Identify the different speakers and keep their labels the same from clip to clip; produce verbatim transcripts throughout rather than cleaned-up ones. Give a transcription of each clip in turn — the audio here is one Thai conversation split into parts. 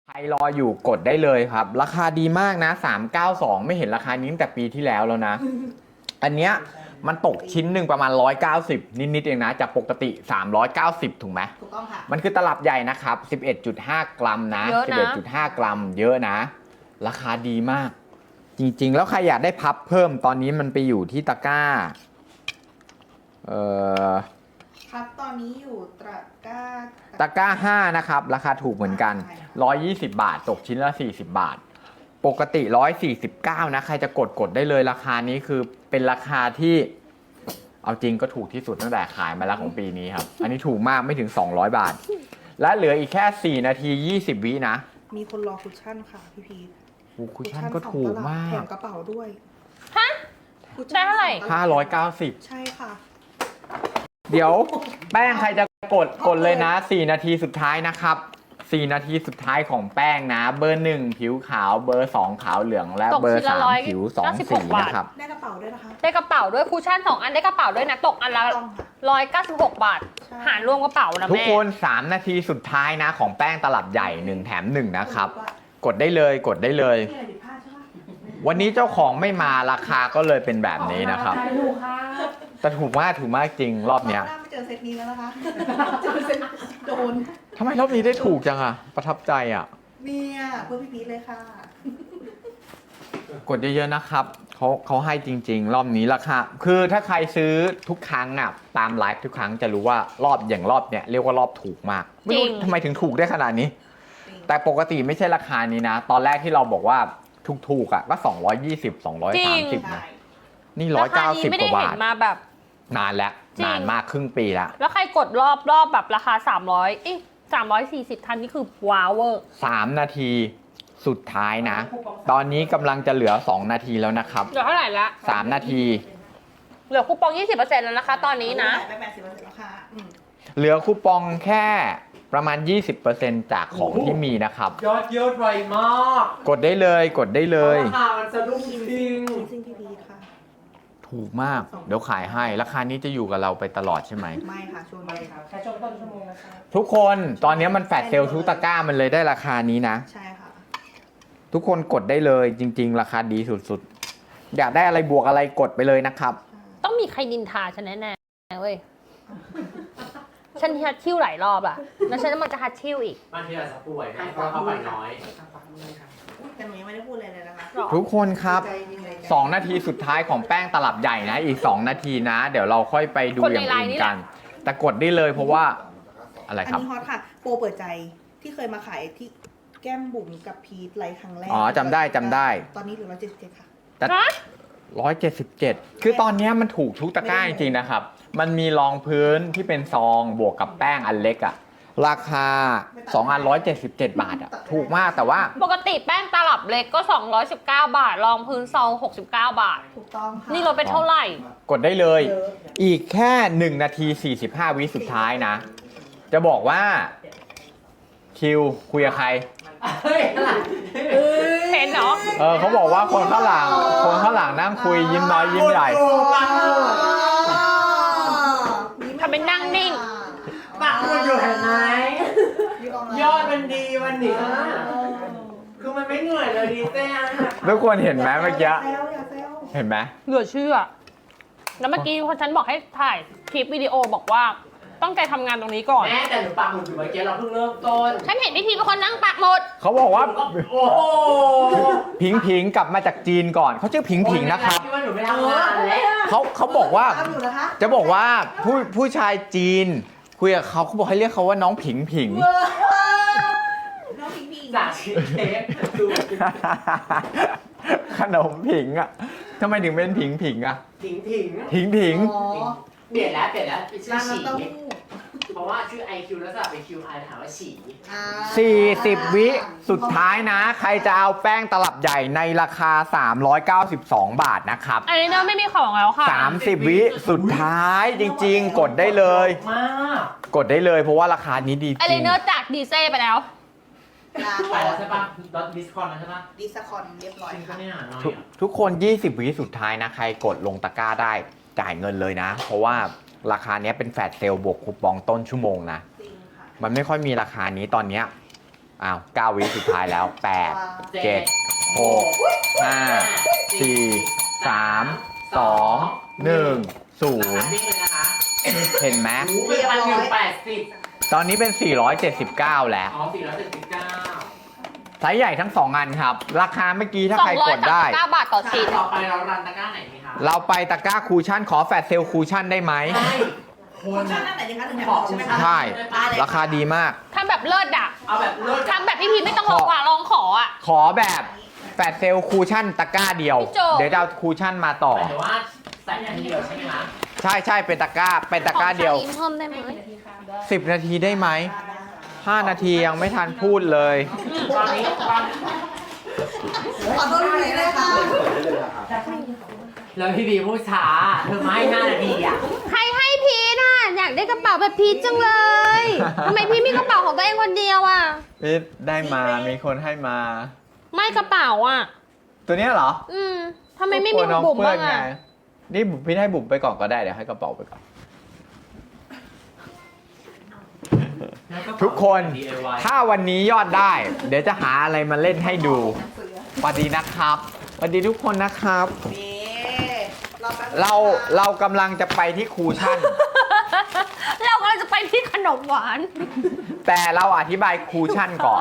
Speaker 1: ใครรออยู่กดได้เลยครับราคาดีมากนะสามร้อยเก้าสิบสองไม่เห็นราคานี้ตั้งแต่ปีที่แล้วแล้วนะ อันเนี้ยมันตกชิ้นหนึ่งประมาณหนึ่งร้อยเก้าสิบนิดๆเองนะจากปกติสามร้อยเก้าสิบถูกไหม
Speaker 2: ถูกต้องค่ะ
Speaker 1: มันคือตลับใหญ่นะครับ สิบเอ็ดจุดห้า กรัมนะ
Speaker 3: เยอะนะ
Speaker 1: สิบเอ็ดจุดห้า กรัมเยอะนะ ราคาดีมาก จริงๆแล้วใครอยากได้พับเพิ่มตอนนี้มันไปอยู่ที่ตะกร้าเอ่อ
Speaker 2: ครับตอนนี้อยู่ตะกร้า
Speaker 1: ตะกร้าห้านะครับราคาถูกเหมือนกันหนึ่งร้อยยี่สิบบาทตกชิ้นละสี่สิบบาทปกติหนึ่งร้อยสี่สิบเก้านะใครจะกดกดได้เลยราคานี้คือเป็นราคาที่เอาจริงก็ถูกที่สุดตั้งแต่ขายมาแล้วของปีนี้ครับอันนี้ถูกมากไม่ถึงสองร้อยบาทและเหลืออีกแค่สี่นาทียี่สิบวินะ
Speaker 2: มีคนรอคุชชั่นค่ะพี่พีท
Speaker 1: โอ้คุชชั่นก็ถูกมาก
Speaker 2: แถมกระเป๋าด้วย
Speaker 3: ฮะ
Speaker 2: คุช
Speaker 3: ได้
Speaker 2: ชั่น
Speaker 3: เท่าไหร่
Speaker 1: ห้าร้อยเก้าสิบ
Speaker 2: ใช่ค่ะ
Speaker 1: เดี๋ยวแป้งใครจะกดกดเลยนะสี่นาทีสุดท้ายนะครับสี่นาทีสุดท้ายของแป้งนะเบอร์หนึ่งผิวขาวเบอร์สองขาวเหลืองและ
Speaker 3: ตก
Speaker 1: เบอ
Speaker 3: ชิ้
Speaker 1: ร์
Speaker 3: นละ
Speaker 1: สาม
Speaker 3: ร้อย
Speaker 1: ผิวสอง
Speaker 3: เก้าสิบห
Speaker 1: สี
Speaker 3: กบาท
Speaker 1: นะครับ
Speaker 2: ได้กระเป๋าด้วยนะคะ
Speaker 3: ได้กระเป๋าด้วยคูชั่นสองอันได้กระเป๋าด้วยนะตกอันละ
Speaker 2: ต้องค่ะ
Speaker 3: ร้อยเก้าสิบหกบาท
Speaker 2: ใช่
Speaker 3: หารรวมกระเป๋านะ
Speaker 1: ทุก
Speaker 3: แม่
Speaker 1: คนสามนาทีสุดท้ายนะของแป้งตลับใหญ่หนึ่งแถมหนึ่งนะครับ กดได้เลยกดได้เลย
Speaker 2: มีอะไรผิดพลาดใช่ปะ
Speaker 1: วันนี้เจ้าของไม่มาราคาก็เลยเป็นแบบนี้นะครับ
Speaker 2: ถูกค่ะ
Speaker 1: แต่ถูกมากถูกมากจริงรอบเนี้ย
Speaker 2: หน้าไม่เจอเซตนี้แล้วนะคะ เจอเซตโดน
Speaker 1: ทำไมรอบนี้ได้ถูกจังอะประทับใจอะ
Speaker 2: เนี่ยเพื่อพี่พีทเลยค่ะ
Speaker 1: กดเยอะๆนะครับเขาเขาให้จริง ๆ รอบนี้ราคาคือถ้าใครซื้อทุกครั้งอะตามไลฟ์ทุกครั้งจะรู้ว่ารอบอย่างรอบเนี้ยเรียกว่ารอบถูกมากไม่รู้ทำไมถึงถูกได้ขนาดนี้ แต่ปกติไม่ใช่ราคานี้นะ ตอนแรกที่เราบอกว่าถูกๆอ่ะก็สองร้อยยี่สิบ สองร้อยสามสิบ
Speaker 2: ใช่
Speaker 1: นะนี่ร้อยเก้าสิบ
Speaker 3: ไม่
Speaker 1: ก
Speaker 3: ได้
Speaker 1: ว่า
Speaker 3: เห็
Speaker 1: บาท
Speaker 3: นมาแบบ
Speaker 1: นานแล้ว
Speaker 3: จริง
Speaker 1: นานมากครึ่งปีละ
Speaker 3: แล้วใครกดรอบรอบแบบราคาสามร้อยอีสามร้อยสี่สิบทันนี่คือว้าวเวอร์
Speaker 1: สามนาทีสุดท้ายนะ ตอนนี้กำลังจะเหลือสองนาทีแล้วนะครับ
Speaker 3: เหลือเท่าไหร่ละ
Speaker 1: สามนาที
Speaker 3: เหลือคูปองยี่สิบเปอร์เซ็นต์แล้วนะคะ ตอนนี้นะ
Speaker 2: ไปแปดสิบเปอร์เซ็นต์แล้วค่ะอืม
Speaker 1: เหลือคูปองแค่ประมาณ ยี่สิบเปอร์เซ็นต์ จากของที่มีนะครับ
Speaker 4: ยอดเยี่ยมไวมาก
Speaker 1: กดได้เลยกดได้เลย
Speaker 4: ราคามันสะดุ้งจริง
Speaker 2: ซิ่งพี่พีทค่ะ
Speaker 1: ถูกมาก เดี๋ยวขายให้ราคานี้จะอยู่กับเราไปตลอดใช่ไหม
Speaker 2: ไม่ค่ะช่วง
Speaker 4: ไม่
Speaker 2: นี้
Speaker 4: ครับแค่ช่วงต้นชั่วโมงนะครับ
Speaker 1: ทุกคนตอนนี้มันแฟลชเซลล์ทุกตะกร้ามันเลยได้ราคานี้นะ
Speaker 2: ใช่ค่ะ
Speaker 1: ทุกคนกดได้เลยจริง ๆ ราคาดีสุดๆ อยากได้อะไรบวกอะไรกดไปเลยนะครับ
Speaker 3: ต้องมีใครนินทาฉันแน่ๆเว้ย ฉันฮัดชิ่วหลายรอบอะแล้วฉันมันจะฮัดชิ่วอีก
Speaker 4: บางทีอาจจะป่วยนะเพราะเข้าไปน้อย
Speaker 2: แต่หนูยังไม่ได้พูดอะไรเลยนะคะ
Speaker 3: หรอ
Speaker 1: ทุกคนครับ
Speaker 2: ใจจริงเลย
Speaker 1: สองนาทีสุดท้ายของแป้งตลับใหญ่นะ อีกสองนาทีนะ เดี๋ยวเราค่อยไปดูอย่างอื่นกัน แต่กดได้เลยเพราะว่าอะไร
Speaker 2: อัน
Speaker 1: ครับ
Speaker 2: นี้ฮอตค่ะ โปรเปิดใจที่เคยมาขายที่แก้มบุ๋มกับพีทไลฟ์ครั้งแรก
Speaker 1: อ๋อจำได้จำได้
Speaker 2: ตอนนี้เหลือร้อยเจ็ดสิบเจ็ดค่ะ
Speaker 3: ฮะ
Speaker 1: ร้อยเจ็ดสิบเจ็ดคือตอนนี้มันถูกทุกตะกร้าจริงๆนะครับ มันมีรองพื้นที่เป็นซองบวกกับแป้งอันเล็กอะราคาสองอันร้อยเจ็ดสิบเจ็ดบาทอะถูกมากแต่ว่า
Speaker 3: ปกติแป้งตลับเล็กก็สองร้อยสิบเก้าบาท รองพื้นซองหกสิบเก้าบาท
Speaker 2: ถูกต้องค่ะ
Speaker 3: นี่ลดไปเท่าไหร่
Speaker 1: กดได้เลย
Speaker 2: เยอะ
Speaker 1: อีกแค่หนึ่งนาทีสี่สิบห้าวิสุดท้ายนะ จะบอกว่า คิวคุยกับใคร
Speaker 4: เฮ้ยอะไร
Speaker 3: เห็นเหรอ
Speaker 1: เออเขาบอกว่าคนข้างหลัง คนข้างหลังนั่งคุยยิ้มน้อยยิ้มใหญ่
Speaker 3: ทำเป็นนั่งนิ่ง
Speaker 4: ปากมันอยู่เห็นไหมยอดมันดีวันนี้คือมันไม่เหนื่อยเลยดีเต้อะ
Speaker 1: ทุกคนเห็นไหมเมื่อกี้
Speaker 2: อย่าแซวอย่าแซว
Speaker 1: เห็นไหม
Speaker 3: เหลือเชื่อ แล้วเมื่อกี้พอฉันบอกให้ถ่ายคลิปวิดีโอบอกว่าต้องใจทำงานตรงนี้ก่อน
Speaker 4: แม่แต่หนูปากหมุดอยู่เมื่อกี้เราเพิ่งเริ่มต้น
Speaker 3: ฉันเห็นพิธีเป็นคนนั่งปักหมด
Speaker 1: เขาบอกว่า
Speaker 4: โอ้โห
Speaker 1: ผิงผิงกลับมาจากจีนก่อน เขาชื่อผิงผิงนะครับ
Speaker 4: ที่ว่าหนูไม่ทำงานแล้ว
Speaker 1: เขาเขาบอกว่า
Speaker 2: ตามอยู่นะคะ
Speaker 1: จะบอกว่าผู้ผู้ชายจีน คุยกับเขาเขาบอกให้เรียกเขาว่าน้องผิงผิง
Speaker 2: น้องพิงพิง
Speaker 4: จากชีสเค้กดู
Speaker 1: ขนมผิงอ่ะทำไมถึงเป็นผิงผิงอ่ะ
Speaker 4: ถิงถิง
Speaker 1: ผิงผิง
Speaker 2: อ๋อ
Speaker 4: เปลี่ยนแล้วเปลี่ยนแล้วเป็นชื่อ
Speaker 2: ร้าน
Speaker 4: ฉี
Speaker 2: น้ำเต้าหู้
Speaker 4: เพราะว่าชื่อ ไอ คิว แล้วสลับเป็น คิว ไอ ถามว่าฉี
Speaker 2: อ่า
Speaker 1: สี่สิบ วิสุดท้ายนะ ใครจะเอาแป้งตลับใหญ่ในราคา สามร้อยเก้าสิบสอง บาทนะครับ
Speaker 3: อันนี้เนอะไม่มีของแล้วค่ะ
Speaker 1: สามสิบ วิสุดท้ายจริงๆ กดได้เลย
Speaker 4: มาก
Speaker 1: กดได้เลยเพราะว่าราคานี้ดีจ
Speaker 3: ไอเล
Speaker 1: ริง
Speaker 3: เนอร์จากดีเซไปแล้ว
Speaker 2: ลา
Speaker 4: ไปแล้วใช่ปะดอทดิสคอนแล้วใช่ปะ
Speaker 2: ดิสคอนเรียบร้อย
Speaker 4: จริง
Speaker 2: ค่ะ
Speaker 4: ปะเนี่ยน้อย
Speaker 1: ทุก
Speaker 4: อ่ะ
Speaker 1: ทุกคน ยี่สิบ วิสุดท้ายนะ ใครกดลงตะกร้าได้จ่ายเงินเลยนะ เพราะว่าราคานี้เป็นแฟลชเซลล์บวกคูปองต้นชั่วโมงนะ
Speaker 2: จริงค่ะ
Speaker 1: มันไม่ค่อยมีราคานี้ตอนเนี้ยอ้าวเก้าวิสุดท้ายแล้วแปดเจ็ดหกห้าสี่สามสองหนึ่งศูนย์
Speaker 4: ดิ้งเลยนะคะ
Speaker 1: เห็นไหม
Speaker 4: หูเป็นพันหนึ่งแปดสิบ
Speaker 1: ตอนนี้เป็นสี่ร้อยเจ็ดสิบเก้าแล้ว
Speaker 4: อ๋อสี่ร้อยเจ็ดสิบเก้า
Speaker 1: ไซส์ใหญ่ทั้งสองอันครับ ราคาเมื่อกี้ถ้า
Speaker 3: สอ
Speaker 1: ใครง
Speaker 3: ร้อก ย
Speaker 1: ด
Speaker 3: สาม
Speaker 1: ได้
Speaker 3: สิบเก้าบาทต่อชิ้น
Speaker 4: ต่อไปเรารันตะกร้าไหนดีคะ
Speaker 1: เราไปตะกร้าคูชั่นขอแฟลชเซลคูชั่นได้ไหม
Speaker 4: ใช่ค
Speaker 2: คุ
Speaker 4: น
Speaker 2: ณชอบหน้าไหนดีคะถึงแบบบอกใช่ไหมคะ
Speaker 1: ใช่ ราคาดีมาก
Speaker 3: ทำแบบเลิศอ่ะ
Speaker 4: เอาแบบเลิศ
Speaker 3: ทำแบบพี่พีไม่ต้องรอกว่าลองขออ่ะ
Speaker 1: ขอแบบแฟลชเซลคูชั่นตะกร้าเดียว
Speaker 3: พี่โจ
Speaker 1: เดี๋ยวจะเอาคูชั่นมาต่อ
Speaker 4: แต่ว่าใส่อย่างเดียวใช่ไหมคะ
Speaker 1: ใช่ใช่เป็นตะกร้า เป็นตะกร้าเดียว
Speaker 3: ขอทานอินเพิ่มได้ไหม
Speaker 1: สิบ นาทีได้ไหมห้านาทียังไม่ทันพูดเลย
Speaker 4: ตอนนี้ตอน
Speaker 2: ขอโทษทีนะคะ
Speaker 4: แล้วพี่บีพูดช้าเธอไม่ให้ห้านาทีอ่ะ
Speaker 3: ใครให้พีทอ่ะอยากได้กระเป๋าแบบพีทจังเลยทำไมพี่มีกระเป๋าของตัวเองคนเดียวอ่ะ
Speaker 1: พีทได้มา มีคนให้มา
Speaker 3: ไม่กระเป๋าอ่ะ
Speaker 1: ตัวเนี้ยเหรอ
Speaker 3: อืมทำไมไม่มี
Speaker 1: กลัวน้อง
Speaker 3: บุ๋ม
Speaker 1: เปื้อ
Speaker 3: บ้าน ง
Speaker 1: ไง
Speaker 3: อ่ะ
Speaker 1: นี่บุ๋มพี่ให้บุ๋มไปก่อนก็ได้ เดี๋ยวให้กระเป๋าไปก่อน ทุกคน ถ้าวันนี้ยอดได้ เดี๋ยวจะหาอะไรมาเล่นให้ดูสวัสดีนะครับสวัสดีทุกคนนะครับ
Speaker 2: เบ๊เราแป๊บนึง
Speaker 1: เราเรากำลังจะไปที่คูชั่น
Speaker 3: เรากำลังจะไปที่ขนมหวาน
Speaker 1: แต่เราอธิบายคูชั่นก่อน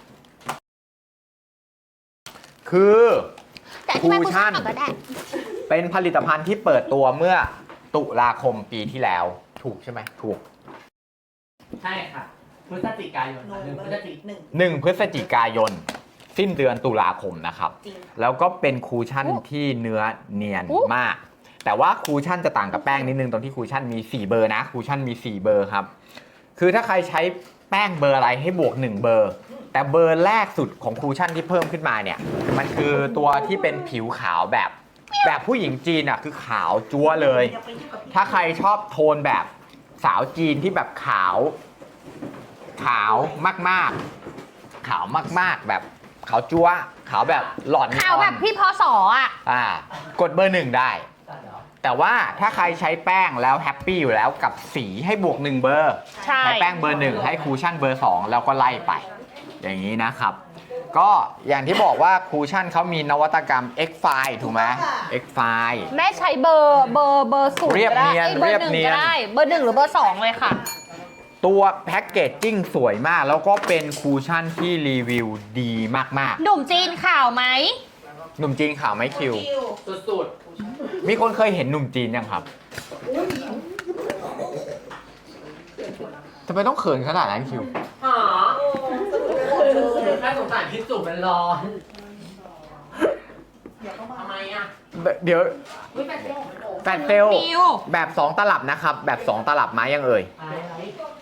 Speaker 1: คือ
Speaker 3: แต่ที่ไม่
Speaker 1: คู
Speaker 3: คู
Speaker 1: ชั่
Speaker 3: ชั่
Speaker 1: น
Speaker 3: นก็ได้
Speaker 1: เป็นผลิตภัณฑ์ที่เปิดตัวเมื่อตุลาคมปีที่แล้ว ถูกใช่ไหมถูก
Speaker 4: ใช่ค่ะพฤศจิกายน
Speaker 2: โน
Speaker 4: หนึ่ง
Speaker 2: เบ
Speaker 4: พ
Speaker 2: อ
Speaker 4: ฤศ
Speaker 2: ร์
Speaker 4: จิ
Speaker 2: หนึ่ง
Speaker 1: หนึ่งพฤศจิกายน สิ้นเดือนตุลาคมนะครับ
Speaker 2: จริง
Speaker 1: แล้วก็เป็นคูชั่น
Speaker 3: อู้
Speaker 1: ที่เนื้อเนียน
Speaker 3: อู้
Speaker 1: มาก แต่ว่าคูชั่นจะต่างกับแป้งนิดนึงตรงที่คูชั่นมีสี่เบอร์นะคูชั่นมีสี่เบอร์ครับ คือถ้าใครใช้แป้งเบอร์อะไรให้บวกหนึ่งเบอร์ แต่เบอร์แรกสุดของคูชั่นที่เพิ่มขึ้นมาเนี่ย มันคือตัวที่เป็นผิวขาวแบบ แบบผู้หญิงจีนอ่ะคือขาวจั๊วเลย
Speaker 2: อย่าไปยุ่งกับพี่
Speaker 1: ถ้าใครชอบโทนแบบสาวจีนที่แบบขาว ขาวมากๆ ขาวมากๆ แบบขาวจั๊วขาวแบบหลอดนีออน
Speaker 3: ข่าวแบบพี่พศอ่ะ
Speaker 1: อ่ากดเบอร์หนึ่งได้ แต่ว่าถ้าใครใช้แป้งแล้วแฮปปี้อยู่แล้วกับสีให้บวกหนึ่งเบอร์
Speaker 3: ใช่
Speaker 1: แป้งเบอร์หนึ่งให้คูชั่นเบอร์สองแล้วก็ไล่ไป อย่างนี้นะครับ ก็อย่างที่บอกว่าคูชั่นเขามีนวัตกรรม X File ถูกไหม X File
Speaker 3: แม่ใช้เบอร์เบอร์เบอร์ศูนย์
Speaker 1: เรียบ
Speaker 3: ก็ได้
Speaker 1: เนียน
Speaker 3: อ้เบอ
Speaker 1: เรียบ
Speaker 3: ร์หนึ่ง
Speaker 1: เนียน
Speaker 3: ก็ได้เบอร์หนึ่งหรือเบอร์สองเลยค่ะ
Speaker 1: ตัวแพ็กเกจจิ้งสวยมาก แล้วก็เป็นคูชั่นที่รีวิวดีมาก
Speaker 3: หนุ่มจีนข่าวไหม
Speaker 1: ๆ หนุ่มจีนข่าวไหมคิว
Speaker 2: คิว
Speaker 4: สุด
Speaker 1: มีคนเคยเห็นหนุ่มจีนยังครับทำไมต้องเขินขนาดนั้นคิว
Speaker 4: ๆหาแค่สงสารพี่จุ๋มมันร้อน
Speaker 2: เดี๋ยวก็มา
Speaker 4: ทำไมอ่ะ
Speaker 1: เดี๋ยว
Speaker 4: อุ้ยแฟนเจ้า
Speaker 1: แฟนเซล
Speaker 3: มิว
Speaker 1: แบบ สอง ตลับนะครับ แบบ สอง ตลับมายังเอ่ย
Speaker 4: อะไรอะไร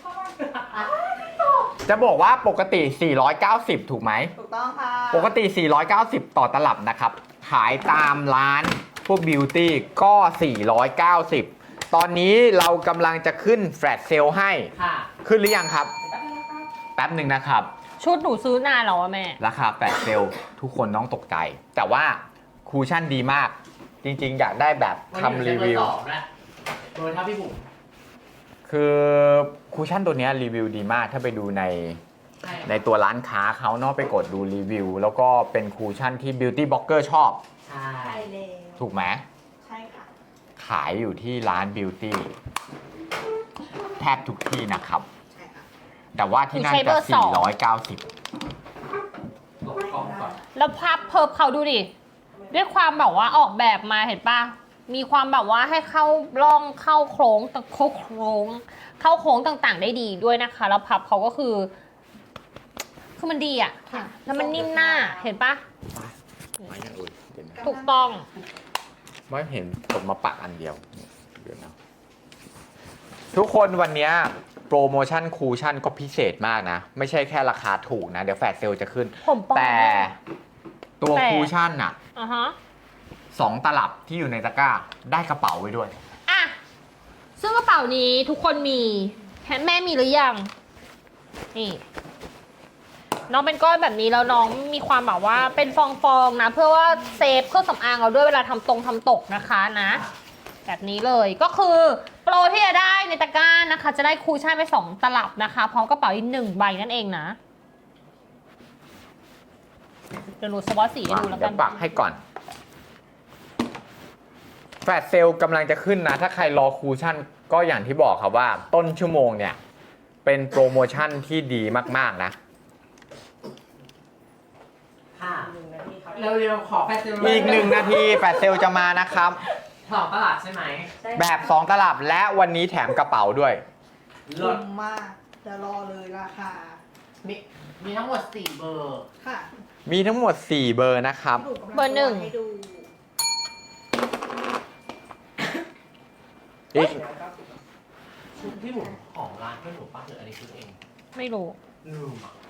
Speaker 1: จะบอกว่าปกติ สี่ร้อยเก้าสิบ ถูกไหม
Speaker 2: ถูกต้องค่ะ
Speaker 1: ปกติ สี่ร้อยเก้าสิบ ต่อตลับนะครับ ขายตามร้านพวกบิวตี้ก็ สี่ร้อยเก้าสิบ ตอนนี้เรากำลังจะขึ้นแฟลชเซลให้
Speaker 4: ค่ะ
Speaker 1: ขึ้นหรือยังครับ แป๊บหนึ่งนะครับ
Speaker 3: ชุดหนูซื้อนานแล้วอะแม่
Speaker 1: ราคาแฟลชเซลทุกคนต้องตกใจ แต่ว่าคูชั่นดีมาก จริงๆ อยากได้แบบ
Speaker 4: วันนี้
Speaker 1: ทำรีวิว
Speaker 4: เบอร์สองแล้วเบอร์เท่าพี่บุ๋ม
Speaker 1: คือคูชั่นตัวเนี้ยรีวิวดีมาก ถ้าไปดูใน
Speaker 4: ใช่
Speaker 1: ในตัวร้านค้าเขาเนาะไปกดดูรีวิว แล้วก็เป็นคูชั่นที่ Beauty Blogger ชอบ
Speaker 4: ใช่
Speaker 2: ใช่เลย
Speaker 1: ถูกไหม
Speaker 2: ใช่ค่ะ
Speaker 1: ขายอยู่ที่ร้าน Beauty แทบทุกที่นะครับ
Speaker 2: ใช่ค่ะ
Speaker 1: แต่ว่าที่นั่น
Speaker 3: ใช้เบ
Speaker 1: จะ
Speaker 3: อร์สอง
Speaker 1: สี่ร้อยเก้าสิบ
Speaker 4: ตกกล้องก่อน
Speaker 3: แล้วพับเพิบเขาดูดิ ด้วยความแบบว่าออกแบบมาเห็นปะมีความแบบว่าให้เข้าร่องเข้าโค้งต่างเข้าโค้ง เข้าโค้งต่างๆ ได้ดีด้วยนะคะ แล้วพับเขาก็คือ คือมันดีอะแล้วมันนิ่มหน้าเห็นปะ
Speaker 1: ไม่ยังอื่นเดี๋ยวนะ
Speaker 3: ถูกต้อง
Speaker 1: ไม่เห็นผมมาปักอันเดียวเดี๋ยวนะทุกคนวันเนี้ยโปรโมชั่นคูชั่นก็พิเศษมากนะ ไม่ใช่แค่ราคาถูกนะ เดี๋ยวแฟลชเซลจะขึ้น
Speaker 3: ผมปอง
Speaker 1: แต่ตัว
Speaker 3: แต่
Speaker 1: คูชั่นอ่ะ
Speaker 3: อ่ะฮะ
Speaker 1: สองตลับที่อยู่ในตะกร้า ได้กระเป๋าไว้ด้วย
Speaker 3: อ่ะซึ่งกระเป๋านี้ทุกคนมีแม่มีหรือยัง นี่ น้องเป็นก้อนแบบนี้แล้วน้องมีความแบบว่าเป็นฟองๆนะ เพื่อว่าเซฟเครื่องสำอางเราด้วยเวลาทำตรงทำตกนะคะนะ แบบนี้เลยก็คือโปรที่จะได้ในตะกร้านะคะ จะได้คูชั่นไปสองตลับนะคะ พร้อมกระเป๋าอีกหนึ่งใบนั่นเองนะเดี๋ยวหนูสวอตสีให้ดูแล้ว
Speaker 1: เดี๋
Speaker 3: กั
Speaker 1: ย
Speaker 3: น
Speaker 1: วปักให้ก่อนแฟลชเซลล์กำลังจะขึ้นนะ ถ้าใครรอคูชั่นก็อย่างที่บอกครับว่าต้นชั่วโมงเนี่ย เป็นโปรโมชั่นที่ดีมากๆนะ
Speaker 4: ค่ะเร็วๆขอแฟชั่น
Speaker 1: อีกหนึ่งนาทีแฟลชเซลล์จะมานะครับ
Speaker 4: สองตลาดใช่ไหม
Speaker 1: แบบ สอง ตลับและวันนี้แถมกระเป๋าด้วย
Speaker 4: ล
Speaker 2: คุ้
Speaker 4: ด
Speaker 2: มมากจะรอเลยราคา
Speaker 4: มีมีทั้งหมดสี่เบอร์
Speaker 2: ค่ะ
Speaker 1: มีทั้งหมด สี่ เบอร์นะครับ
Speaker 2: พี่บุ๋มกำลั
Speaker 3: เบอร์หนึ่ง
Speaker 2: ให้ดู
Speaker 1: อีก
Speaker 4: ชุดที่หมูของร้านเพื่อนหมูป้าหรืออันนี้คือเอง
Speaker 3: ไม่รู้
Speaker 4: ลืมอ่ะ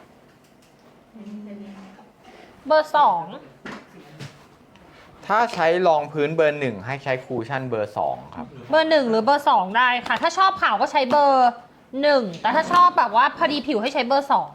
Speaker 3: เบอร์สอง
Speaker 1: ถ้าใช้รองพื้นเบอร์หนึ่งให้ใช้คูชั่นเบอร์สองครับ
Speaker 3: เบอร์หนึ่งหรือเบอร์สองได้ค่ะ ถ้าชอบขาวก็ใช้เบอร์หนึ่งแต่ถ้าชอบแบบว่าพอดีผิวให้ใช้เบอร์สอง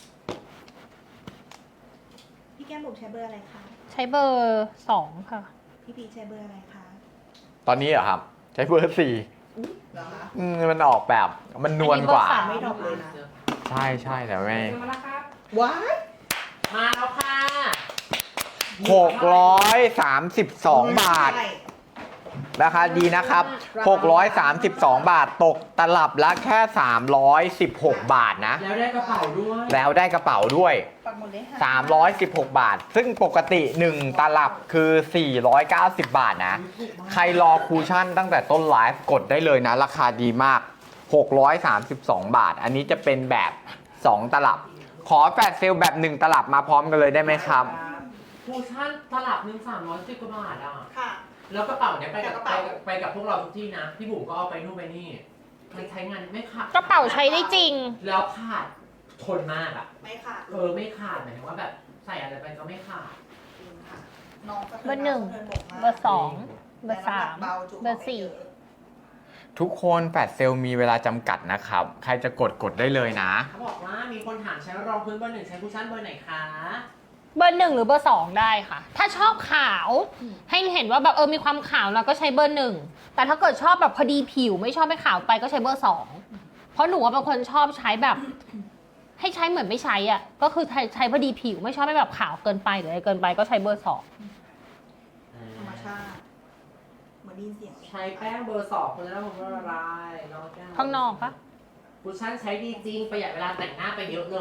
Speaker 2: พี่แก้มบุ๋มใช้เบอร์อะไรคะ
Speaker 3: ใช้เบอร์สองค่ะ
Speaker 2: พี่พีชใช้เบอร์อะไรคะ
Speaker 1: ตอนนี้เหรอครับ ใช้เบอร์สี่
Speaker 2: เหรอคะ
Speaker 1: อืมมันออกแบบมันนวลกว่า
Speaker 3: อันนี้เบอร์สาม
Speaker 2: ไม่ดรอปเลยนะ
Speaker 1: ใช่ใช่แต่ไม่
Speaker 2: ว้าย
Speaker 4: มาแล้วค่ะ
Speaker 1: หกร้อยสามสิบสองบาท
Speaker 2: ใช่
Speaker 1: ราคาดีนะครับหกร้อยสามสิบสองบาทตกตลับละแค่สามร้อยสิบหกบาทนะ
Speaker 4: แล้วได้กระเป๋าด้วย
Speaker 1: แล้วได้กระเป๋าด้วย
Speaker 2: ปักหมดเลยค่ะ
Speaker 1: สามร้อยสิบหกบาท ซึ่งปกติหนึ่งตลับคือ สี่ร้อยเก้าสิบ บาทนะ ใครรอคูชั่นตั้งแต่ต้นไลฟ์กดได้เลยนะ ราคาดีมาก หกร้อยสามสิบสอง บาท อันนี้จะเป็นแบบ สอง ตลับ ขอแฟลชเซลล์แบบ หนึ่ง ตลับมาพร้อมกันเลยได้ไหมครับ
Speaker 4: คูชั่นตลับหนึ่งสามร้อยสิบกว่าบาทอ่ะ
Speaker 2: ค่ะ
Speaker 4: แล้วกระเป๋าเนี้ยไปกับ
Speaker 2: กระ
Speaker 4: ไป
Speaker 2: เป๋า
Speaker 4: กับไปกับพวกเราทุกที่นะ พี่บุ๋มก็เอาไปนู่นไปนี่ มันใช้งานไม่ขาด
Speaker 3: กระเป๋าใช้ได้จริง
Speaker 4: แล้วขาดทนมากอ่ะ
Speaker 2: ไม่ค่ะ
Speaker 4: เออไม่ขาดหมายถึงว่าแบบใส่อะไรไปก็ไม่ขาด
Speaker 2: จริงค่ะน้องสะทิ
Speaker 3: เบอร์หนึ่ง
Speaker 2: สะทิบกมาก
Speaker 3: เบอร์สองเบอร์สาม
Speaker 2: แต่น้ำหนักเบาจุ
Speaker 3: เบอร์สี่
Speaker 1: ทุกคนแฟลชเซลล์มีเวลาจำกัดนะครับ ใครจะกดกดได้เลยนะ
Speaker 4: เขาบอกว่ามีคนถามใช้รองพื้นเบอร์หนึ่งใช้คูชั่นเบอร์ไหนคะ
Speaker 3: เบอร์หนึ่งหรือเบอร์สองได้ค่ะ ถ้าชอบขาว ให้เห็นว่าแบบเออมีความขาวเราก็ใช้เบอร์หนึ่งแต่ถ้าเกิดชอบแบบพอดีผิวไม่ชอบให้ขาวไปก็ใช้เบอร์สองเพราะหนูว่าเป็นคนชอบใช้แบบ ให้ใช้เหมือนไม่ใช้อ่ะก็คือใช้ใช้พอดีผิวไม่ชอบให้แบบขาวเกินไปหรืออะไรเกินไปก็ใช้เบอร์สอง
Speaker 2: ธรรมชาติเหมือนไดยินเสียง
Speaker 4: ใช้แป้งเบอร์สองคนแล้วผมว่าอะไรน้องแก้ว
Speaker 3: ข้างนอกปะ
Speaker 4: คูชั่นใช้ดีจริงประหยัดเวลาแต่งหน้าไปเยอะเลย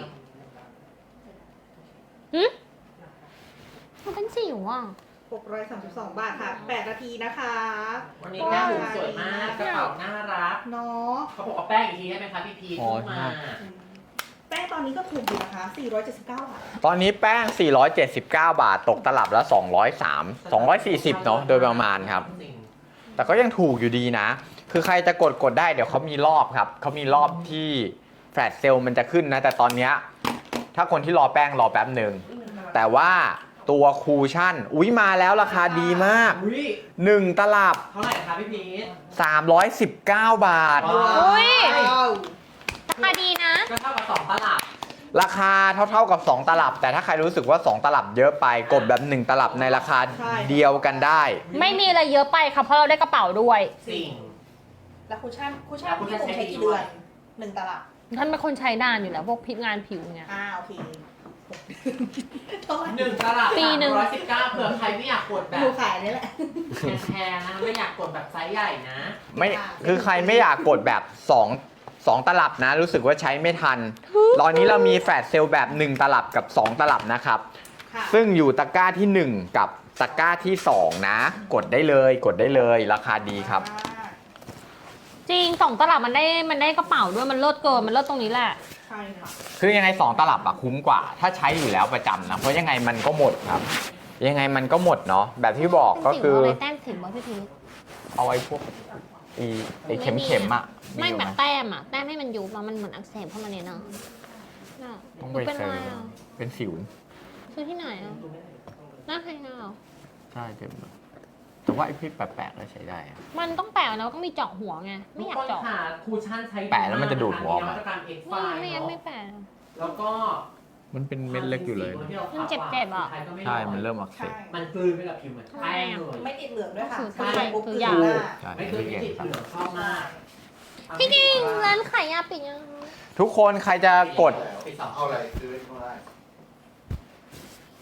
Speaker 3: หึมันเป็นสิวอ่ะ
Speaker 2: หกร้อยสามสิบสอง บาทค่ะแปดนาทีนะคะ
Speaker 4: วันนี้แก้มบุ๋มสวยมากกระเป๋าน่ารัก
Speaker 2: เนาะ
Speaker 4: เขาบอกว่าแป้งอีกทีได้ไหมคะพี่พี
Speaker 1: อ๋อ
Speaker 4: ขึ้นมา
Speaker 2: แป้งตอนนี้ก็ถูกอยู่นะคะสี่ร้อยเจ็ดสิบเก้า บาท
Speaker 1: ตอนนี้แป้ง สี่ร้อยเจ็ดสิบเก้า บาท ตกตลับละ สองร้อยสาม สองร้อยสี่สิบ เนาะโดยประมาณครับ แต่ก็ยังถูกอยู่ดีนะ คือใครจะกดกดได้เดี๋ยวเขามีรอบครับเขามีรอบที่แฟลชเซลล์มันจะขึ้นนะ แต่ตอนเนี้ยถ้าคนที่รอแป้งรอแป๊บหนึ่ง แต่ว่าตัวคูชั่น อุ๊ยมาแล้วราคาดีมาก
Speaker 4: อุ้ย
Speaker 1: หนึ่ง ตลับ
Speaker 4: เท่าไหร่คะพี่พีท
Speaker 1: สามร้อยสิบเก้า บาท
Speaker 4: ว้าว
Speaker 3: อุ้ย
Speaker 2: ว้าว
Speaker 3: ราคาดีนะ
Speaker 4: ก็เท่ากับสองตลับ
Speaker 1: ราคาเท่าๆกับ สอง ตลับ แต่ถ้าใครรู้สึกว่า สอง ตลับเยอะไปกดแบบ หนึ่ง ตลับในราคาเดียวกันได้
Speaker 3: ไม่มีอะไรเยอะไปค่ะเพราะเราได้กระเป๋าด้วย
Speaker 4: สิ่ง
Speaker 2: แล้วคุชชั่นคุชชั่น
Speaker 4: แล้วคุช
Speaker 2: ที่
Speaker 4: ชั่น
Speaker 2: ผมใช้กี่เดือนหนึ่งตลับ
Speaker 3: ท่านเป็นคนใช้นานอยู่แล้วพวกพิงานผิวไง
Speaker 2: อ่าโอเคเท่าไหร่
Speaker 4: หนึ่งตลับ
Speaker 3: ปีหนึ่ง
Speaker 4: ร้อยสิบเก้าเผื่อใครไม่อยากกดแบ
Speaker 2: หนู
Speaker 4: บ
Speaker 2: ขายนี่แหละ
Speaker 4: แพงๆนะไม่อยากกดแบบไซส์ใหญ่นะ
Speaker 1: ไม่คือใครไม่อยากกดแบบ 2 2 ตลับนะ รู้สึกว่าใช้ไม่ทัน ตอนนี้เรามีแฟลชเซลล์แบบ หนึ่ง ตลับกับ สอง ตลับนะครับ
Speaker 2: ค่ะ
Speaker 1: ซึ่งอยู่ตะกร้าที่ หนึ่ง กับตะกร้าที่ สอง นะ กดได้เลยกดได้เลยราคาดีครับ
Speaker 3: จริงสองตลับมันได้มันได้กระเป๋าด้วยมันเลิศเกินมันเลิศตรงนี้แหละ
Speaker 2: ใช่ค่ะ
Speaker 1: คือยังไง สอง ตลับอะคุ้มกว่า ถ้าใช้อยู่แล้วประจำนะ เพราะยังไงมันก็หมดครับ ยังไงมันก็หมดเนาะแบบที่บอกก็คือ
Speaker 3: เป็นสิวอะไรแต้มสิวบ้างพี่พีช
Speaker 1: เอาไว้พวกไอ้ไอ้เข็มเข็มๆอะ
Speaker 3: ไม่
Speaker 1: อยู่
Speaker 3: แบ
Speaker 1: ห
Speaker 3: บแต้มอ่ะแต้มให้มันยุบอะมันเหมือนอักเสบเข้ามาเนี่ยเนาะน่ะ
Speaker 1: ต้อง
Speaker 3: ห
Speaker 1: ไป
Speaker 3: นูเป็น
Speaker 1: เซ
Speaker 3: อะไร
Speaker 1: ร์
Speaker 3: อ่ะ
Speaker 1: เป็นสิว
Speaker 3: ซื้อที่ไหนอ่ะหน้าใครเงา
Speaker 1: ใช่เต็มเลยแต่ว่าไอ้พริกแปลกๆก็ใช้ได้อะ
Speaker 3: มันต้องแปะแล้วต้องมีเจาะหัวไงไม่อยากเจาะ
Speaker 4: ทุคนค่ะคูชั่นใช้
Speaker 1: แปะแล้วมันจะดูดหัวออกมา
Speaker 4: นวัตกรรมเอ็กไฟ
Speaker 3: ไม่ไม่งั้นไม่แปะ
Speaker 4: แล้วก็
Speaker 1: มันเป็นเม็ดเล็กอยู่เลยนะ
Speaker 3: มันเจ็บๆอะ
Speaker 1: ใช่ มันเริ่มอักเส
Speaker 2: ใช่
Speaker 1: บ
Speaker 4: มันกลืนไปกับผิวเหมือนแป้งเลย
Speaker 2: ไม่ติดเหลืองด้วยค่ะ
Speaker 3: คือ
Speaker 2: ใส่ปุ๊บ
Speaker 3: คื
Speaker 2: คือ อ
Speaker 3: อยา
Speaker 2: หน้า
Speaker 1: ใช่
Speaker 4: ไม่เคยไม่ติดเหลืองชอบมาก
Speaker 3: พี่จริงร้านขายยาปิดยัง
Speaker 1: ทุกคนใครจะกด
Speaker 4: ปิดสอง
Speaker 5: เอาอะไรซื้อไว้ข้างล่าง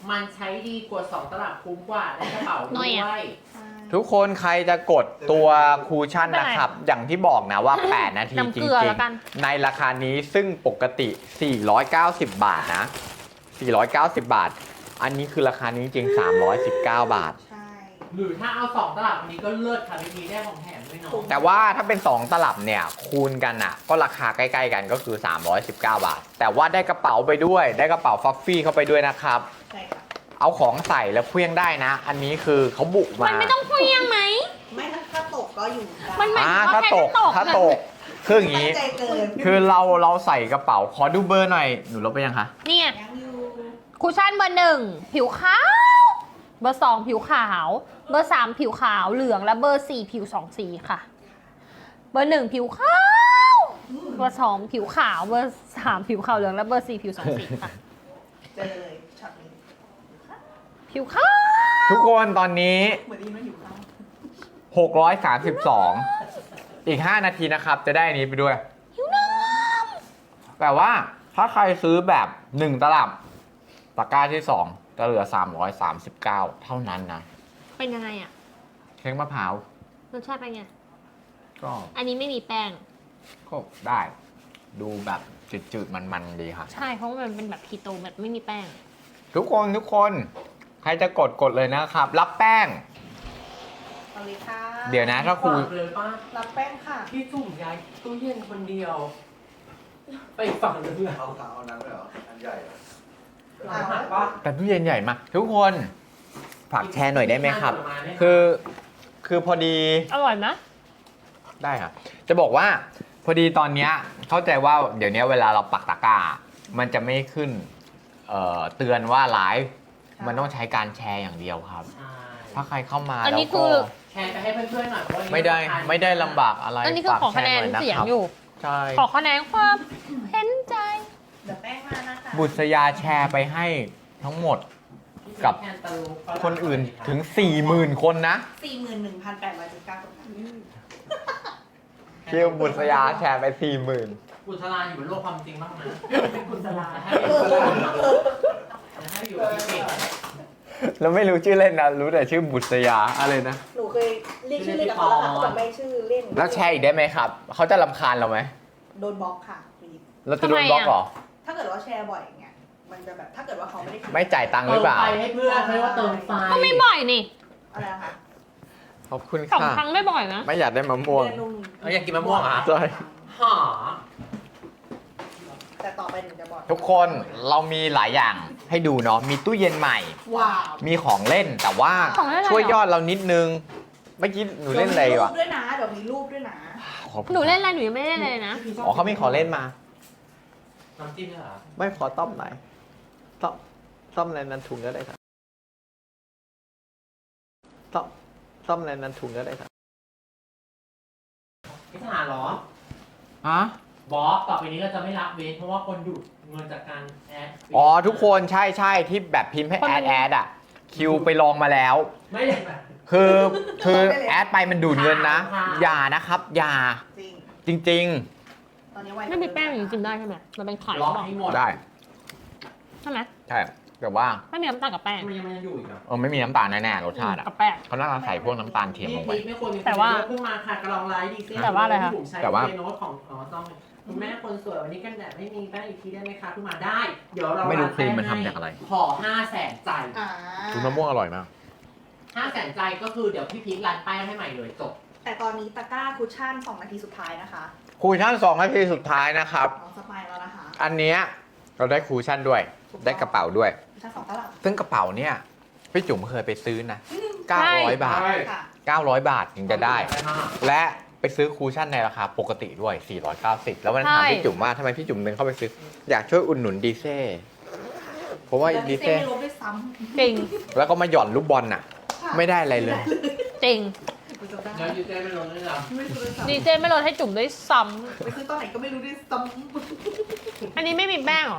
Speaker 4: มันใช้ดีกว่าสองตลับคุ้มกว่าได้กระเป๋า
Speaker 3: หน่
Speaker 4: ด้
Speaker 3: อยอะ
Speaker 4: วย
Speaker 2: ใช่
Speaker 1: ทุกคนใครจะกดตัวคูชั่นนะครับ อย่างที่บอกนะว่า แปด นาที
Speaker 3: น้ำ
Speaker 1: จ
Speaker 3: เกลือ
Speaker 1: ริ
Speaker 3: แล้
Speaker 1: ง
Speaker 3: วกัน
Speaker 1: ๆ ในราคานี้ซึ่งปกติ สี่ร้อยเก้าสิบ บาทนะ สี่ร้อยเก้าสิบ บาท อันนี้คือราคานี้จริงๆ สามร้อยสิบเก้า บาท
Speaker 2: ใช่
Speaker 4: หรือถ้าเอาสองตลับอันนี้ก็เลิศค่ะพี่พีได้ของแถมด้วยเนาะ
Speaker 1: แต่ว่าถ้าเป็น สอง ตลับเนี่ย คูณกันอ่ะ ก็ราคาใกล้ๆกันก็คือ สามร้อยสิบเก้า บาท แต่ว่าได้กระเป๋าไปด้วย ได้กระเป๋าฟัฟฟี่เข้าไปด้วยนะครับ
Speaker 2: ใช่ค่ะ
Speaker 1: เอาของใส่แล้วเคลี้ยงได้นะ อันนี้คือเขาบุก
Speaker 3: มั
Speaker 1: มา
Speaker 3: นไม่ต้องเพียงไหม
Speaker 2: ไม่ถ้าถ้าตกก็อยู่ได้
Speaker 3: มันหมาย
Speaker 1: อ่า
Speaker 3: ถึง
Speaker 1: ถ้า
Speaker 3: ว่าแค่
Speaker 1: ตก
Speaker 3: ไม่ตก
Speaker 1: ถ้าตกคืออย่าง
Speaker 2: นี้
Speaker 1: นี้
Speaker 2: ใจเกิน
Speaker 1: คือเราเราใส่กระเป๋าขอดูเบอร์หน่อยหนูลบไปยังคะ
Speaker 3: เนี่ย
Speaker 2: ยังอยู่
Speaker 3: คุชชั่นเบอร์หนึ่งผิวขาว เบอร์สองผิวขาว เบอร์สามผิวขาวเหลืองและเบอร์สี่ผิวสองสีค่ะ เบอร์หนึ่งผิวขาว เบอร์สองผิวขาว เบอร์สามผิวขาวเหลืองและเบอร์สี่ผิวสองสีค่ะ
Speaker 2: เจอเลยช็อตนี้
Speaker 3: ผิวขาว
Speaker 1: ทุกคนตอนนี้
Speaker 2: เหมือนดีมันอยู่ข้าง
Speaker 1: หกร้อยสามสิบสอง อีก ห้า นาทีนะครับ จะได้อันนี้ไปด้วย
Speaker 3: ผิวน้
Speaker 1: แต่ว่าถ้าใครซื้อแบบ หนึ่ง ตลับตะกร้าที่ สอง จะเหลือ สามร้อยสามสิบเก้า เท่านั้นนะ
Speaker 3: ำเป็นยังไงอะ
Speaker 1: เค้กมะพร้าว
Speaker 3: รสชาติเป็นไง
Speaker 1: ก็
Speaker 3: อันนี้ไม่มีแป้ง
Speaker 1: ก็ได้ ดูแบบจืดๆ มันๆ ดีค่ะ
Speaker 3: ใช่เพราะว่ามันเป็นแบบคีโตแบบไม่มีแป้ง
Speaker 1: ทุกคนทุกคน ใครจะกดกดเลยนะครับ รับแป้ง
Speaker 2: เอาเลยค่ะ
Speaker 1: เดี๋ยวนะถ้าครู
Speaker 4: ฝกเลยป้า
Speaker 2: รับแป้งค่ะ
Speaker 4: พี่จุ่มย้ายตู้เย็นคนเดียว ไปอีกฝั่งนึงเลย
Speaker 5: เอาเอานั้นเลยเหรอ อันใหญ่เหรอ
Speaker 4: หลังหักปะ
Speaker 1: แต่ตู้เย็นใหญ่มากทุกคนฝากแชร์หน่อยได้ไหมครับ คือคือพอดี
Speaker 3: อร่อยไหม
Speaker 1: ได้ครับ จะบอกว่าพอดีตอนเนี้ยเข้าใจว่าเดี๋ยวนี้เวลาเราปักตะกร้า มันจะไม่ขึ้นเอ่อเตือนว่าไลฟ์มันต้องใช้การแชร์อย่างเดียวครับ
Speaker 4: ใช่
Speaker 1: ถ้าใครเข้ามา
Speaker 3: อัน
Speaker 1: แล้ว
Speaker 3: นี้คื
Speaker 1: ก็
Speaker 3: อ
Speaker 4: แชร์ไปให้เพื่อนๆหน่อยเพราะว่า
Speaker 1: ไม่ได้
Speaker 4: ราคา
Speaker 1: ไม่ได้ลำบากอะไร
Speaker 3: อันนี้คือ
Speaker 1: ฝาก
Speaker 3: ขอ
Speaker 1: แช
Speaker 3: คะแน
Speaker 1: ร์
Speaker 3: น
Speaker 1: หน่อยนะ
Speaker 3: เสียง
Speaker 1: ครับ
Speaker 3: อยู่
Speaker 1: ใช่
Speaker 3: ขอคะแนนความเห็นใจ
Speaker 2: เดี๋ยวแป้งมานะคะ
Speaker 1: บุษยาแชร์ไปให้ทั้งหมด กับ
Speaker 4: แคนตาลูปฝรั่ง
Speaker 1: คนอื่นถึง สี่หมื่น คนนะ
Speaker 2: สี่หมื่นหนึ่งพันแปดร้อยสิบเก้าคนค่ะ
Speaker 1: คิวบุษยาแชร์ไป สี่หมื่น
Speaker 4: บุษราอยู่บนโลกความจริงบ้างนะเป็นบุษราให้ให้อยู่ที่เก่ง
Speaker 1: แล้วไม่รู้ชื่อเล่นนะ รู้แต่ชื่อบุษยาอะไรนะ
Speaker 2: หนูเคยเรียกชื่อเล่นกับเขาแล้วค่ะเขาจะไม่ชื่อเล่น
Speaker 1: แล้วแชร์อีกได้ไหมครับ เขาจะรำคาญเราไหม
Speaker 2: โดนบล็อกค่ะรีบ
Speaker 1: เราจะโดนบล็อกเหรอ
Speaker 2: ถ้าเกิดว่าแชร์บ่อยอย่างเงี้ย มันจะแบบถ้าเกิดว่าเขาไม่ได้คิด
Speaker 1: ไม่จ่ายตังค์หรือเปล่า
Speaker 4: เติมไฟให้เพื่อนเขาเรียกว่าเติมไฟ
Speaker 3: ก็ไม่บ่อยนี่
Speaker 2: อะไรนะคะ
Speaker 1: ขอบคุณ
Speaker 3: สอง
Speaker 1: ค่ะ
Speaker 3: ครั้งไม่บ่อยนะ
Speaker 1: ไม่อยากได้มะม่วง
Speaker 2: เดือนหนึ่ง
Speaker 4: เอาอยากกินมะม่วงเหรอ
Speaker 1: ใช่
Speaker 4: หา
Speaker 2: แต่ต่อไปหนูจะบอก
Speaker 1: ทุกคนเรามีหลายอย่างให้ดูเนาะ มีตู้เย็นใหม่
Speaker 2: ว้าว
Speaker 1: มีของเล่นแต่ว่า
Speaker 3: ของเล่นอะไร
Speaker 1: ช่วยยอดเรานิดนึง เมื่อกี้หนูเล่นอะไร
Speaker 2: ดี๋ยวมีรู
Speaker 1: วะ
Speaker 2: ปด้วยนะเดี๋ยวมีรูปด้วยนะ
Speaker 1: ขอบคุณ
Speaker 3: หนูเล่นอะไรหนูยังไม่เล่นเลยนะ
Speaker 1: อ๋อเขามีของเล่นมา
Speaker 4: น้ำจิ้มด้วยเหรอ
Speaker 1: ไม่ขอต้อมไหนอยต้อมต้อมอะไรนั้นถุงก็ได้ครับต้อมต้อมอะไรนั้นถุงก็ได้ครับ
Speaker 4: พิธาเหรอ
Speaker 1: ฮะ
Speaker 4: บอสต่อไปนี้เราจะไม่รับเว้นเพราะว่าคนดูดเงินจากการแอด
Speaker 1: อ๋อทุกคนใช่ใช่ที่แบบพิมพ์ให้แอดแอดอ่ะ คิวไปลองมาแล้ว
Speaker 4: ไม่ได้แบบ
Speaker 1: คือคือแอดไปมันดูดเงินนะ
Speaker 4: ค่ะ
Speaker 1: อย่านะครับ อย่า
Speaker 2: จริง
Speaker 1: จริง
Speaker 2: ตอนนี้ไว
Speaker 3: ไม่มีแป้งอย่างนี้กินได้ใช่ไหมมันเป็นไข่
Speaker 4: ล็อก
Speaker 3: ใช่ปะ
Speaker 4: ให้หมด
Speaker 1: ๆ ได้
Speaker 3: ใช่ไหม
Speaker 1: ใช่แต่ว่า
Speaker 3: ไม่มีน้ำตาลกับแป้ง
Speaker 4: มันยังมันยังอยู่อีกเหรอ
Speaker 1: เออไม่มีน้ำตาลแน่ๆรสชาติอ่ะ
Speaker 3: กับแป้ง
Speaker 1: เขาน่าจะใส่พวกน้ำตาลเทียมลงไป
Speaker 4: นี่ไม่ควรมี
Speaker 3: แต่ว่า
Speaker 4: เพิ่งมาค่ะกระลองไลฟ์ดีเซ่
Speaker 3: แต่ว่าอะไรคะ
Speaker 4: ที่ผมใช้
Speaker 1: แต่ว่า
Speaker 4: เจโน้ตของอ๋อซ่อมคุณแม่คนสวยวันนี้กันแดดไม่มีแป้งอีกทีได้ไหมคะเพิ่งมาได้ เดี๋ยวเรา
Speaker 1: ไม่รู้
Speaker 4: ร้าน
Speaker 1: ครีม
Speaker 4: แป้ง
Speaker 1: มันทำจากอะไร
Speaker 4: ขอห้าแสนใจ
Speaker 2: อ่า
Speaker 1: คุณมะม่วงอร่อยมาก
Speaker 4: ห้าแสนใจก็คือเดี๋ยวพี่พีคร้านแป้งให้ใหม่เลยจบ
Speaker 2: แต่ตอนนี้ตะกร้าคุชชั่นสองนาทีสุดท้ายนะคะ
Speaker 1: คูชั่นสองนาทีสุดท้ายนะครับ
Speaker 2: น้องสปายแล้วนะคะ
Speaker 1: อันเนี้ยเราได้คูชั่นด้วย ได้กระเป๋าด้วย
Speaker 2: คุชชั่นสองตลับ
Speaker 1: ซึ่งกระเป๋าเนี่ยพี่จุ๋มเคยไปซื้อนะ เก้าร้อย บาท
Speaker 4: ใช่
Speaker 2: ค่ะ
Speaker 1: เก้าร้อย บาทถึงจะได้
Speaker 4: มาก
Speaker 1: และไปซื้อคูชั่นในราคาปกติด้วย สี่ร้อยเก้าสิบ แล้ววันนั้นถาม
Speaker 3: ใช่
Speaker 1: พี่จุ๋มว่าทำไมพี่จุ๋มเดินเข้าไปซื้อ อยากช่วยอุดหนุนดีเซ่เพราะว่า
Speaker 2: แล้ว
Speaker 1: ดี
Speaker 2: พี่เต้
Speaker 1: เซ่
Speaker 2: ไม่ลบด้วยซ้
Speaker 3: จริง
Speaker 1: แล้วก็มาหย่อนลูกบอลน่ะ
Speaker 2: ำค่ะ
Speaker 1: ไม่ได้อะไรเลย
Speaker 3: จริง
Speaker 2: ไปจบได้
Speaker 4: แล้วยูเซ่ไม่ลงด้วยเหรอ
Speaker 2: ไม่ซื้อด้วยซ้
Speaker 3: ดีเจไม่ลดให้จุ่มด้วยซ้
Speaker 2: ำไปซื้อตอนไหนก็ไม่รู้ด้วยซ้
Speaker 3: ำอันนี้ไม่มีแป้งเหรอ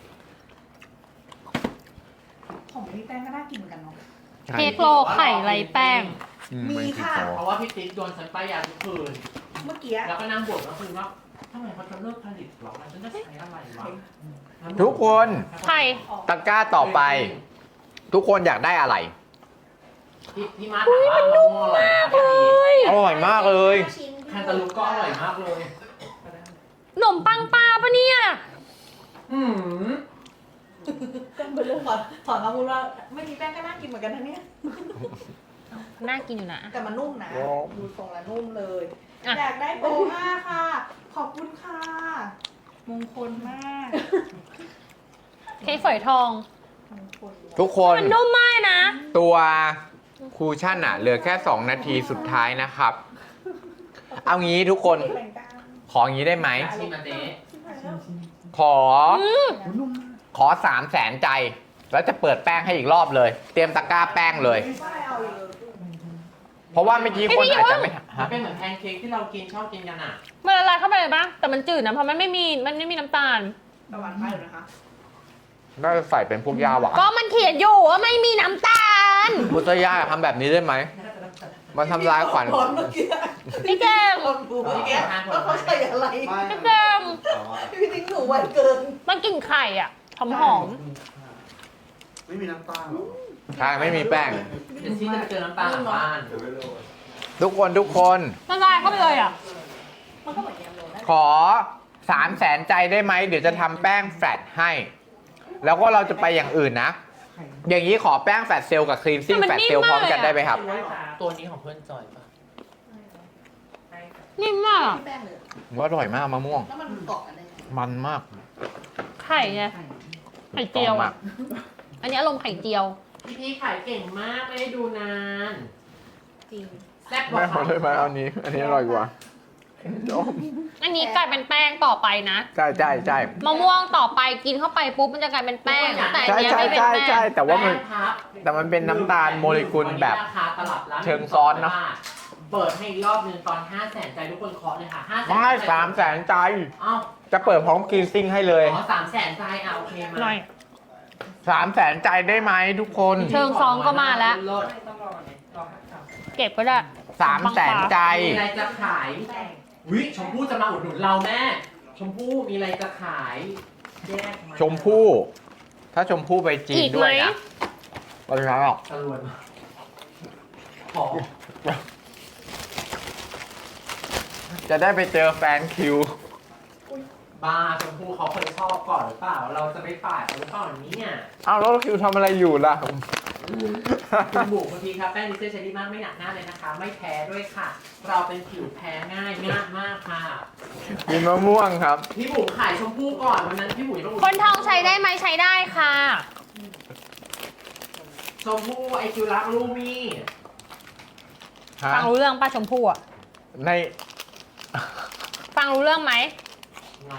Speaker 2: ำของพี่แป้งก็น่ากินเหมือนกันเนาะ
Speaker 3: เค้กโลไข่ไรแป้ง
Speaker 2: มีค่ะ
Speaker 4: เพราะว่าพี่ติ๊กโดนฉันป้ายยาทุกคืน
Speaker 2: เมื่อกี้
Speaker 4: แล้วก็นั่งบ่นก็คือว่าทำไมเขาจะเลิกผลิตหรอฉันจะใช้อะไรวะ
Speaker 1: ทุกคน
Speaker 3: ไข่
Speaker 1: ตะกร้าต่อไปทุกคนอยากได้อะไร
Speaker 4: พี่พี่มาถามว่ามะม่วงอร่อยมากเลย
Speaker 1: อร่อยมากเลย
Speaker 4: แคนตาลูปก็อร่อยมากเลย
Speaker 3: ขนมปังปลาปะเนี่ย
Speaker 4: อืม
Speaker 2: แป้งเบอร์เริ่มถอนถอนคำพูดว่าไม่มีแป้งก็น่ากินเหมือนกันนะเนี่ย
Speaker 3: น่ากินอยู่นะ
Speaker 2: แต่มันนุ่มนะ
Speaker 1: โอ้
Speaker 2: ดูทรงแล้วนุ่มเลย
Speaker 3: อ่ะ
Speaker 2: อยากได้โบห้าค่ะ ขอบคุณค่ะ มงคลมาก
Speaker 3: เค้กฝอยทอง
Speaker 2: มงคล
Speaker 1: ทุกคน
Speaker 3: มันนุ่มมากนะ
Speaker 1: ตัวคูชั่นอะเหลือแค่ สอง นาทีสุดท้ายนะครับ เอางี้ทุกคน
Speaker 2: แบ่งกัน
Speaker 1: ขออย่างนี้ได้ไหม
Speaker 4: ชิมมาเจ๊
Speaker 1: ขอ ขอสามแสนใจ แล้วจะเปิดแป้งให้อีกรอบเลย เตรียมตะกร้าแป้งเลย
Speaker 2: ไม่เอาเลย
Speaker 1: เพราะว่าเมื่อกี้คนอาจจะไม่
Speaker 4: มัน
Speaker 1: ฮะ
Speaker 4: เป็นเหมือนแพนเค้กที่เรากินชอบกินกันอ่ะ
Speaker 3: มันละลายเข้าไปเลยปะแต่มันจืดนะ เพราะมันไม่มี มันไม่มีน้ำตาล
Speaker 2: ตะวันไปเลยนะคะ
Speaker 1: น่าจะใส่เป็นพวกยาหวาน
Speaker 3: ก็มันเขียนอยู่ว่าไม่มีน้ำตาล
Speaker 1: พุทธยาทำแบบนี้ได้ไหม มันทำลายขวัญ
Speaker 2: ตอนเมื่อกี้
Speaker 3: พี่แกม
Speaker 2: ตอนดูเมื่อกี้ว่าเขาใส่อะไร
Speaker 5: ไม่
Speaker 3: พี่แกม
Speaker 5: แต่ว่า
Speaker 2: พี่ทิ้งหนูไวเกิน
Speaker 3: มันกลิ่นไข่อ่ะ หอมหอม
Speaker 5: ไม่มีน้ำตาลหรอ
Speaker 1: ใช่ไม่มีแป้ง
Speaker 4: เดี๋ยวที่จะไปเจอน้ำตาลหลังบ้าน
Speaker 5: เดี๋ยวไม่รู้
Speaker 1: ทุกคนทุกคน
Speaker 3: ละลายเข้าไปเลยอ่ะ
Speaker 2: มันก็เหมือนแยมโรลนั่นแหละ
Speaker 1: ขอสามแสนใจได้ไหม เดี๋ยวจะทำแป้งแฟลตให้ แล้วก็เราจะไปอย่างอื่นนะ อย่างนี้ขอแป้งแฟลตเซลล์กับครีมซิ่ง
Speaker 3: แต่
Speaker 1: แฟ
Speaker 3: มัน
Speaker 1: ลตเซลล์
Speaker 3: นิ่ม
Speaker 1: พร้อม
Speaker 3: มาก
Speaker 1: กัน
Speaker 3: เลยอะ
Speaker 1: ได้ไหมครับ
Speaker 4: ตัวนี้ของเพื่อนจอยป่ะ
Speaker 3: นิ่มมากอะ
Speaker 2: พี่แป้งเลย
Speaker 1: ว่าอร่อยมากมะม่วง
Speaker 2: แล้วมันเกาะกันได้ไง
Speaker 1: มันมาก
Speaker 3: ไข่ไง ไข่เจียว
Speaker 1: มา
Speaker 3: อ่ะ
Speaker 1: ก
Speaker 3: อันนี้อารมณ์ไข่เจียว
Speaker 4: พี่พี่ขายเก่งมากไม่ได้ดูนาน
Speaker 2: จริง
Speaker 4: แซ่บก
Speaker 1: แม่
Speaker 4: ว่า
Speaker 1: ขอเลยไหมเอานี้ อันนี้อร่อยกว่า
Speaker 3: อันนี้กลายเป็นแป้งต่อไปนะ
Speaker 1: ใช่ใช่ใช่
Speaker 3: มะม่วงต่อไปกินเข้าไปปุ๊บมันจะกลายเป็นแป้ง แต่อัน
Speaker 1: ใช่
Speaker 3: เนี้ย
Speaker 1: ใช่
Speaker 3: ไม่เป็น
Speaker 1: ใช่
Speaker 3: แป้
Speaker 1: ใช่
Speaker 3: ง
Speaker 1: แต่ว่ามัน
Speaker 4: ป้งพับ
Speaker 1: แต่มันเป็นน้ำตาลโมเลกุลแบบ
Speaker 4: วันนี้ราคาตลับละ
Speaker 1: เชิงซ้อนเนอะ
Speaker 4: เปิดให้อีกรอบหนึงตอนห้าแสนใจทุกคนเคาะเลยค่ะห้าแสน
Speaker 1: ไม่สามแสนใจ
Speaker 4: เอ้า
Speaker 1: จะเปิดพร้อมครีมซิ่งให้เลย
Speaker 4: อ๋อสามแสนใจอ่ะโอเคมา
Speaker 3: หน่อย
Speaker 1: สามแสนใจได้ไหมทุกคน
Speaker 3: เชิงซองก็มาแล้ว
Speaker 4: เลิศ
Speaker 3: เก็บก็ได้
Speaker 1: สามแสนใจ
Speaker 4: มีอะไรจะขายวิชมพู่จะมาอุดหนุนเราแม่ ชมพู่มีอะไรจะขายแยกา
Speaker 1: ชมพู่ ถ้าชมพู่ไปจีน
Speaker 3: อีก
Speaker 1: ด้
Speaker 3: ไห
Speaker 1: ว
Speaker 3: ม
Speaker 1: ยนะก็จะหรอก
Speaker 4: ตะลวนขอ
Speaker 1: จะได้ไปเจอแฟนคิว
Speaker 4: บ้าชมพู่เขาเคยชอบก่อนหรือเปล่า เราจะไปปาดเขาหรือเปล่าเนี่ย
Speaker 1: อ้าวแล้วคิวทำอะไรอยู่ล่ะ
Speaker 4: คุณบุ๋มคุณพีครับแป้งดิเซอร์ใช้ดีมากไม่หนักหน้าเลยนะคะ ไม่แพ้ด้วยค่ะ เราเป็นผิวแพ้ง่ายง่ายมากค่ะ
Speaker 1: กินมะม่วงครับ
Speaker 4: พี่บุ๋มขายชมพู่ก่อนวันนั้นพี่บุ๋มต้อง
Speaker 3: คนทองใช้ได้ไหมใช้ได้ค่ะ
Speaker 4: ชมพู่ไอคิวรักลูมี่
Speaker 1: ฮะ
Speaker 3: ฟังรู้เรื่องป้าชมพู่อะ
Speaker 1: ใน
Speaker 3: ฟังรู้เรื่องไหม
Speaker 4: ไง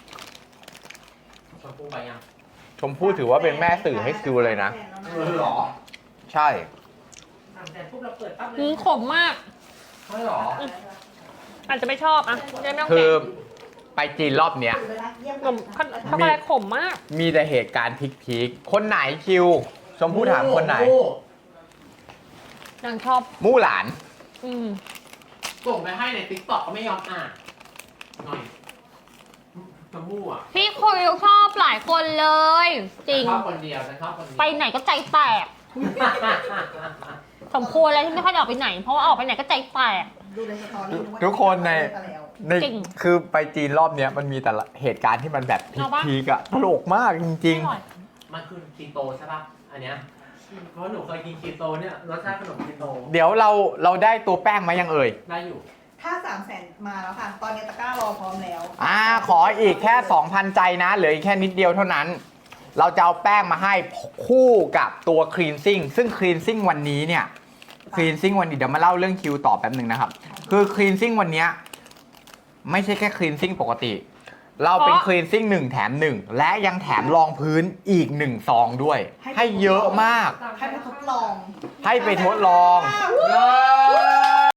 Speaker 4: ชมพู่ไปยัง
Speaker 1: ชมพู่ถือว่าเป็นแม่สื่อให้คิวเลยนะ
Speaker 4: เออเหรอ
Speaker 1: ใช่
Speaker 4: สามแสนปุ๊บเราเปิดปั๊บเล
Speaker 3: อื
Speaker 4: ย
Speaker 3: มขมมาก
Speaker 4: ใช่เหรอ
Speaker 3: อาจจะไม่ชอบอ่ะจะไม่ต้อง
Speaker 1: คื
Speaker 3: แกะ
Speaker 1: อไปจีนรอบเนี้ย
Speaker 3: ขนมช็อกโกแลตขมมาก
Speaker 1: มีแต่เหตุการณ์พีคๆคนไหนคิว ชมพู่ถามคนไหน
Speaker 4: โอ้โ
Speaker 3: นางชอบ
Speaker 1: มู่หลาน
Speaker 3: อืม
Speaker 4: ส่งไปให้ในติ๊กต็อกก็ไม่ยอมอ่านหน่อยชมพู่อ่ะ
Speaker 3: พี่คุยชอบหลายคนเลย จริง
Speaker 4: ฉันชอบคนเดียวฉันชอบคนเดียว
Speaker 3: ไปไหนก็ใจแตก สมควรเลยที่ไม่ค่อยได้ออกไปไหน เพราะว่าออกไปไหนก็ใจแตก
Speaker 2: ดูในสตอรี่ว่า
Speaker 1: ทุกคนใน
Speaker 2: แล้ว
Speaker 1: ใน
Speaker 3: จริง
Speaker 1: คือไปจีนรอบเนี้ยมันมีแต่ละเหตุการณ์ที่มันแบบ
Speaker 3: เอาปะ
Speaker 1: พีกๆอะตลกมากจริง
Speaker 3: อร่อย
Speaker 4: มันคือคีโตใช่ป่ะ อันเนี้ย เพราะหนูเคยกินคีโตเนี่ยรสชาติขนมคีโต
Speaker 1: ๆ เดี๋ยวเราเราได้ตัวแป้งมายังเอ่ย
Speaker 4: ได้อยู่
Speaker 2: ถ้าสามแสนมาแล้วค่ะ ตอนนี้ตะกร้ารอพร้อมแล้ว
Speaker 1: อ่าขออีกแค่ สองพัน ใจนะ เหลืออีกแค่นิดเดียวเท่านั้น เราจะเอาแป้งมาให้คู่กับตัวครีนซิ่งซึ่งครีนซิ่งวันนี้เนี่ยครีนซิ่งวันนี้เดี๋ยวมาเล่าเรื่องคิวต่อแป๊บหนึ่งนะครับ คือครีนซิ่งวันเนี้ยไม่ใช่แค่ครีนซิ่งปกติ เราเป็นครีนซิ่งหนึ่งแถมหนึ่งและยังแถมรองพื้นอีกหนึ่งซองด้วย ให้เยอะมาก
Speaker 2: ให้ไปทดลอง
Speaker 1: ให้ไปทดลอง
Speaker 2: ว้าว